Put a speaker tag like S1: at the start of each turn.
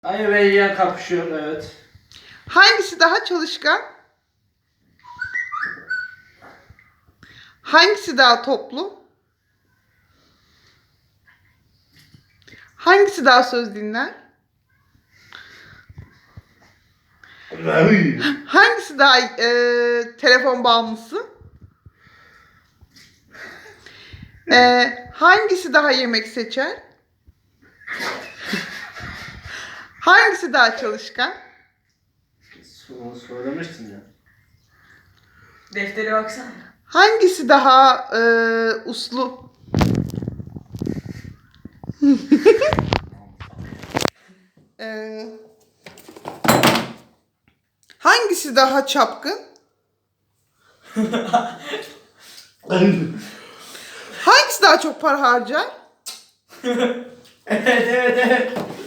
S1: Ayı ve yiyen kapışıyor, evet.
S2: Hangisi daha çalışkan? Hangisi daha toplu? Hangisi daha söz dinler? Hangisi daha telefon bağımlısı? Hangisi daha yemek seçer? Hangisi daha çalışkan?
S1: Söylemiştin ya.
S3: Deftere baksana.
S2: Hangisi daha uslu? Eee, Hangisi daha çapkın? Hangisi daha çok para harcar?
S3: Evet.